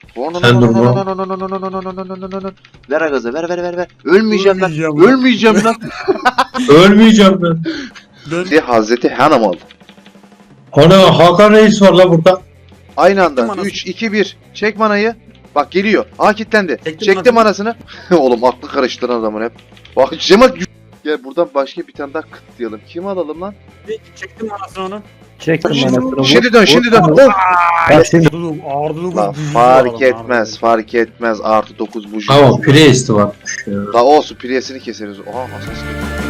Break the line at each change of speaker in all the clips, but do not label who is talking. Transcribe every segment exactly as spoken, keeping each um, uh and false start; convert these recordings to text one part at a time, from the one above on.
Sen durma.
Ver gazı, ver ver ver ver. Ölmeyeceğim lan.
Ölmeyeceğim lan.
Ölmeyeceğim lan.
Ölmeyeceğim ben.
Dön.
Hazreti Hanamalı.
Ana Hakan Reis var la burada.
Aynı anda.
manası.
üç, iki, bir. Çek manayı. Bak geliyor. Aa kilitlendi.
Çektim
Çektim manasını. Oğlum aklı karıştıran adamın hep. Bak Cemal. Gel buradan başka bir tane daha kıtlayalım. Kim alalım lan?
Çektim anasını onun.
Çektim
Şimdi,
anasını.
şimdi dön, şimdi dön. Of.
Bak şimdi.
Ağırdı dokuz.
La
büyücü
fark
var,
etmez,
ağırdı.
fark etmez. Artı dokuz buji.
Tamam Priest var.
La olsun, priyesini keseriz. Oha asas.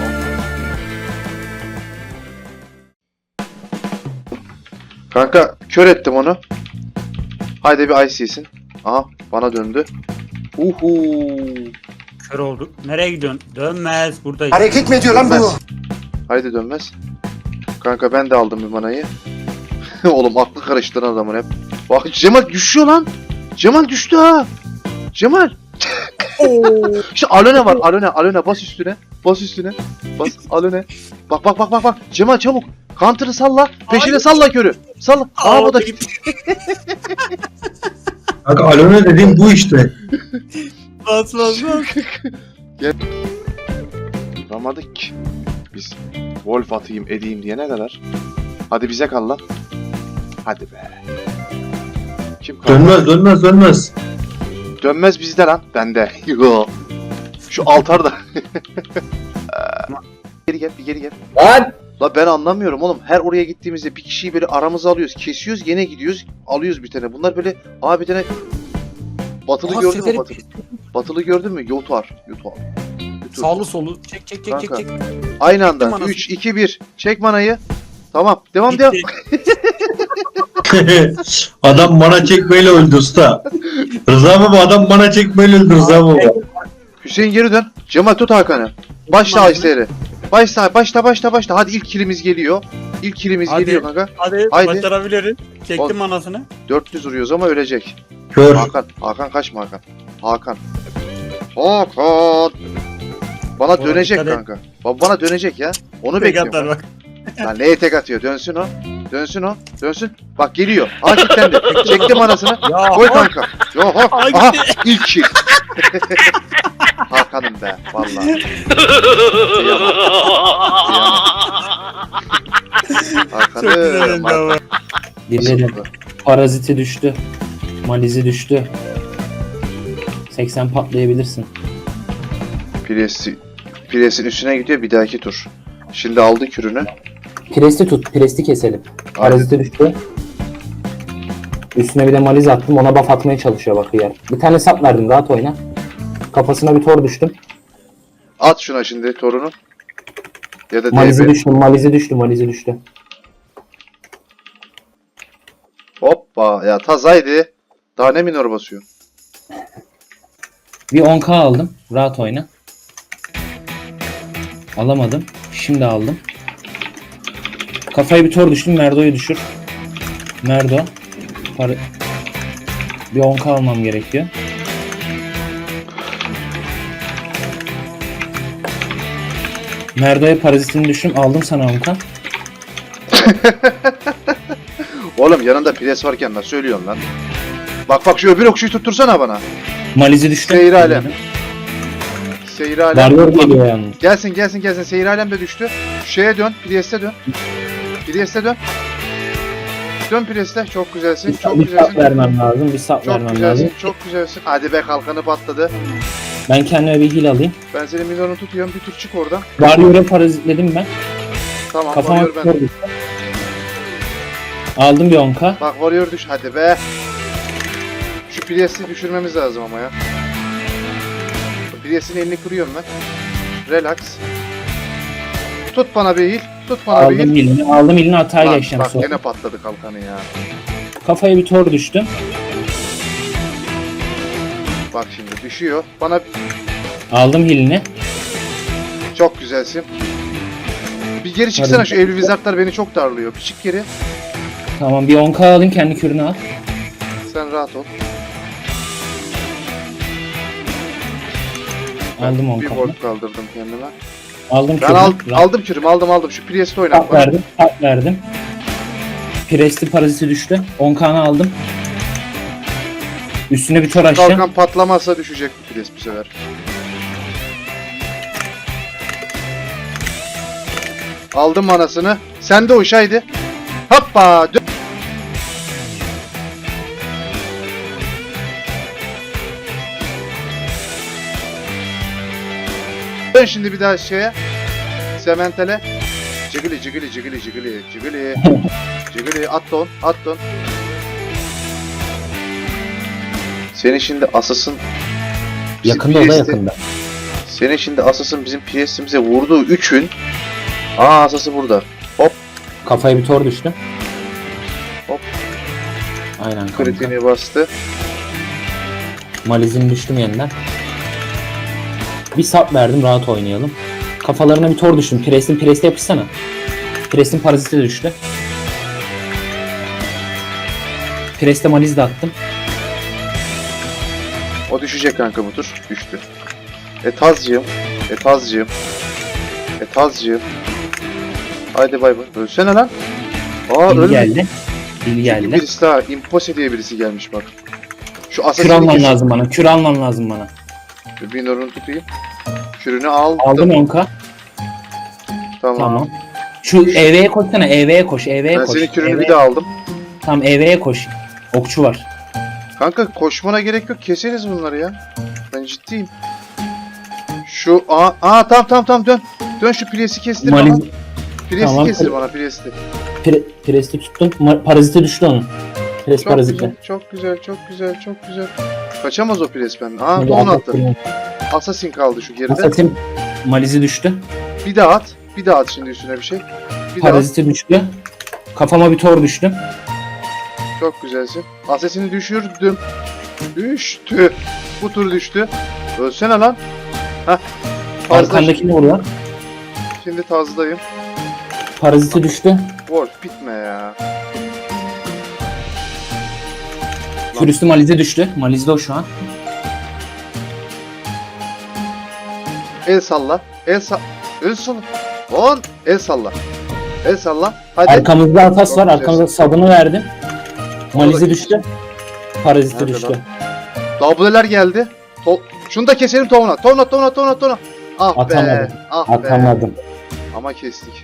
Kanka kör ettim onu. Haydi bir ice'sin. Aha bana döndü. Uhu.
Kör olduk. Nereye gidiyorsun? Dönmez buradayız.
Hareket mi ediyor lan bu?
Dönmez. Haydi dönmez. Kanka ben de aldım bir manayı. Oğlum aklı karıştıran adamın hep. Bak Cemal düşüyor lan. Cemal düştü ha. Cemal. İşte Alone var. Alone. Alone bas üstüne. Bas üstüne. Bas Alone. Bak bak bak bak bak. Cemal çabuk. Counter'ı salla. Peşine
Ay.
salla körü. Salla. Aa bu da gitti.
Kanka Alone dediğim bu işte.
Bas bas bas.
Duramadık ki. Biz Wolf atayım edeyim diye ne kadar. Hadi bize kal lan. Hadi be. Kim kaldı?
Dönmez dönmez dönmez.
Dönmez bizde lan. Bende. Yo. Şu altarda. Geri gel, bir geri gel.
Lan!
La ben anlamıyorum oğlum. Her oraya gittiğimizde bir kişiyi böyle aramıza alıyoruz. Kesiyoruz, gene gidiyoruz. Alıyoruz bir tane. Bunlar böyle abi bir tane Batılı
Aa,
gördün mü
seferi-
Batılı? Batılı gördün mü? Yotar. Yotar. Yotar.
Sağlı solu. Çek çek çek çek
Kanka.
çek.
Aynı anda.
Çektim anasını.
üç, iki, bir. Çek manayı. Tamam. Devam devam.
Adam bana çekmeyle öldü usta. Rıza baba adam bana çekmeyle öldü Rıza baba.
Hüseyin geri dön. Cemal tut Hakan'ı. Başla Ayser'i. Başla başla başla başla. Hadi ilk kilimiz geliyor. İlk kilimiz
Hadi.
geliyor kanka.
Hadi,
Haydi.
başarabiliriz. Çektim
Ol-
anasını.
dört yüz vuruyoruz ama ölecek.
Kör.
Hakan. Hakan kaçma Hakan. Hakan. Hakan. Bana
Oğlum,
dönecek
dikkat et.
kanka. Ba- Bana dönecek ya. Onu
Tek
bekliyorum.
atar bak.
Lan neye tek atıyor? Dönsün o. Dönsün o. Dönsün. Bak geliyor. Aa kilitlendi. Çektim anasını.
Ya,
Koy
ha.
kanka. Yo ho.
Ay,
Aha
gitti.
ilk kill. Hakan'ım be vallahi. Kıyamam. Kıyamam.
Çok güzel
Hakan'ım.
oldu ama.
Gelirim. Paraziti düştü. Malizi düştü. seksen patlayabilirsin.
Piresi, Pires'in üstüne gidiyor bir dahaki tur. Şimdi aldı kürünü.
Presti tut. Presti keselim. Paraziti düştü. Üstüne bir de maliz attım. Ona buff atmaya çalışıyor bak yer. Bir tane sap verdim. Rahat oyna. Kafasına bir tor düştüm.
At şuna şimdi torunu. Ya da
Malizi
D B.
düştü. Malizi düştü. Malizi düştü.
Hoppa ya tazaydı. Daha ne minor basıyor?
Bir on k aldım. Rahat oyna. Alamadım. Şimdi aldım. Kafaya bir tor düştüm. Merdo'yu düşür. Merdo. Para... Bir on k almam gerekiyor. Merdo'ya parazitini düştüm. Aldım sana on k.
Oğlum yanında Pires varken nasıl söylüyorsun lan? Bak bak şu öbür okşuyu tuttursana bana.
Malizi düştü.
Seyir alem. Seyir alem.
Varyor geliyor yalnız.
Gelsin gelsin gelsin. Seyir alem de düştü. Şu şeye dön. Priest'e dön. Priest'e dön. Dön Priest'e. Çok güzelsin.
Bir,
Çok
bir sap
güzelsin.
vermem lazım. Bir sap
Çok
vermem
güzelsin.
lazım.
Çok güzelsin. Hadi be kalkanı patladı.
Ben kendime bir heal alayım.
Ben senin milyonu tutuyorum. Bir tur çık oradan.
Varyor'a parazitledim ben.
Tamam
Kafama
varıyor ben.
tor düştü. Aldım bir on k.
Bak varıyor düş. Hadi be. Şu Priest'i düşürmemiz lazım ama ya. Priest'in elini kırıyorum ben. Relax. Tut bana bir heal. Tut bana bir heal.
Aldım elini. Aldım elini hata
Bak,
geçeceğim
bak
sonra.
gene patladı kalkanı ya.
Kafaya bir tor düştüm.
Bak şimdi düşüyor. Bana
Aldım hilini.
çok güzelsin. Bir geri çıksana
Hadi.
şu evli wizardlar beni çok darlıyor. Bir çık geri.
Tamam bir on k alayım kendi kürünü al.
Sen rahat ol.
Aldım on
Bir
k.
volt kaldırdım kendime.
Aldım
Ben
kürünü.
al,
Rahat.
aldım kürümü aldım aldım. Şu Priest'i
Tap
oynat bak.
verdim. Tap verdim. Presti paraziti düştü. on k'nı aldım. Üstüne bir tor açacağım.
Kalkan patlamazsa düşecek bu pres bu sefer. Aldım manasını. Sen de uç haydi. Hoppa. Dön. Dön şimdi bir daha şeye. Sementele. Cigili cigili cigili cigili cigili. Cigili at don at don. Senin şimdi asasın bizim
Yakında o da
Priest'i-
yakında.
Senin şimdi asasın bizim Priest'imize vurduğu üçün. Aa asası burada.
Kafaya bir tor düştü.
Hop.
Aynen kanka.
Kritiğini bastı.
Malizim düştüm yeniden. Bir sap verdim, rahat oynayalım. Kafalarına bir tor düştüm. Pres'in pres'e yapışsana. Pres'in paraziti de düştü. Pres'te maliz de attım.
O düşecek kanka bu tur. Düştü. Etazcığım. Etazcığım. Etazcığım. Haydi bay bay. Ölsene lan. Aa
Dil
ölmedi.
geldi. Dil
Çünkü
geldi.
birisi daha. Impose diye birisi gelmiş bak. Şu
Kür
asasini
alman
kesin.
lazım bana. Kür alman lazım bana.
Bir nurunu tutayım. Kürünü aldım.
Aldım onka.
Tamam.
Tamam. Şu E V'ye koşsana. E V'ye koş. E V'ye
Ben
koş.
senin kürünü
E V.
bir daha aldım.
Tamam E V'ye koş. Okçu var.
Kanka koşmana gerek yok. Keseriz bunları ya. Ben ciddiyim. Şu aa, aa tamam tamam tamam dön. Dön şu Priest'i kestir bana.
Maliz,
Priest'i
Tamam.
kestir bana Priest'i.
pre, Pres'i tuttum. Ma- Paraziti düştü onun. Pres
Çok
paraziti.
güzel, çok güzel, çok güzel, çok güzel. Kaçamaz o Priest benden. Aa
Şimdi
onu attı.
attım.
Assassin kaldı şu geride.
Assassin malizi düştü.
Bir daha at. Bir daha at şimdi üstüne bir şey. Bir daha at.
Paraziti düştü. Kafama bir tor düştü.
Çok güzelsin. Assassin'i düşürdüm. Düştü. Bu tur düştü. Ölsene lan. Heh. Fazla.
Arkandakini vuruyor.
Şimdi tazdayım.
Paraziti düştü.
Wolf bitme ya.
Kürüstü malize düştü. Malizde o şu an.
El salla. El salla. El salla. On. El salla. El salla. Hadi.
Arkamızda atas
Çok
var.
güzel.
Arkamızda sabını verdim. Malize
Orada-
düştü. Paraziti
Nerede
düştü.
lan? W'ler geldi. To Şunu da keselim tovuna. Tovuna tovuna tovuna tovuna. Ah be.
Atamadım.
Ah be.
Atamadım.
Ama kestik.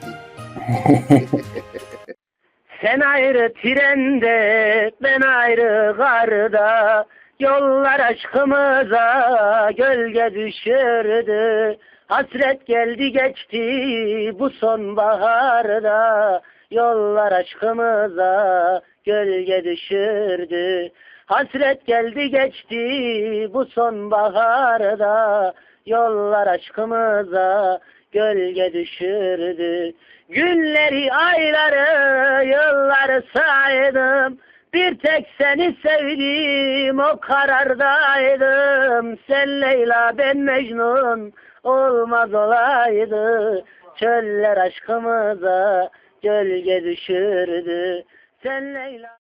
Sen ayrı trende, ben ayrı garda. Yollar aşkımıza gölge düşürdü. Hasret geldi geçti bu sonbaharda. Yollar aşkımıza gölge düşürdü. Hasret geldi geçti bu sonbaharda. Yollar aşkımıza gölge düşürdü. Günleri, ayları, yılları saydım. Bir tek seni sevdim, o karardaydım. Sen Leyla, ben Mecnun, olmaz olaydı. Çöller aşkımıza gölge düşürdü. Sen Leyla...